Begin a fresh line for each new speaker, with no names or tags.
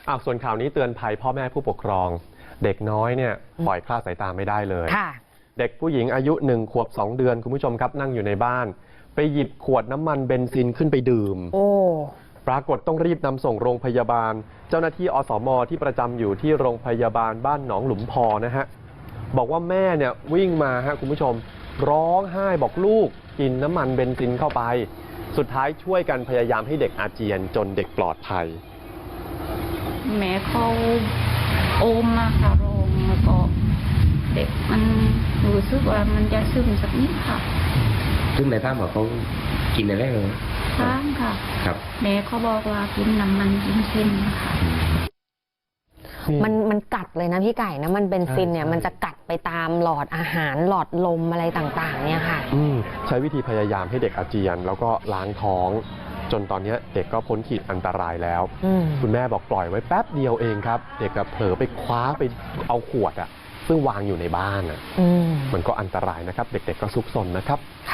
ส่วนข่าวนี้เตือนภัยพ่อแม่ผู้ปกครองเด็กน้อยเนี่ยปล่อยคลาดสายตาไม่ได้เลยเด็กผู้หญิงอายุ1 ขวบ 2 เดือนคุณผู้ชมครับนั่งอยู่ในบ้านไปหยิบขวดน้ำมันเบนซินขึ้นไปดื่มปรากฏต้องรีบนำส่งโรงพยาบาลเจ้าหน้าที่อสม.ที่ประจำอยู่ที่โรงพยาบาลบ้านหนองหลุมพอนะฮะบอกว่าแม่เนี่ยวิ่งมาฮะคุณผู้ชมร้องไห้บอกลูกกินน้ำมันเบนซินเข้าไปสุดท้ายช่วยกันพยายามให้เด็กอาเจียนจนเด็กปลอดภัย
แม่เขาโอมมาค่ะโรงแล้วก็เด็กมันรู้สึกว่ามันจะซึมสักนิดค่ะ
ซึ่งในภาพบอกเขากินอะไรเลย
ข้างค่ะครับแม่เขาบอกว่ากินน้ำมันกินเส้นค่ะ
มันกัดเลยนะพี่ไก่นะมันเบนซินเนี่ยมันจะกัดไปตามหลอดอาหารหลอดลมอะไรต่างๆเนี่ยค่ะ
ใช้วิธีพยายามให้เด็กอาเจียนแล้วก็ล้างท้องจนตอนนี้เด็กก็พ้นขีดอันตรายแล้วคุณแม่บอกปล่อยไว้แป๊บเดียวเองครับเด็กเผลอไปคว้าไปเอาขวดซึ่งวางอยู่ในบ้านมันก็อันตรายนะครับเด็กๆก็ซุกซนนะครับ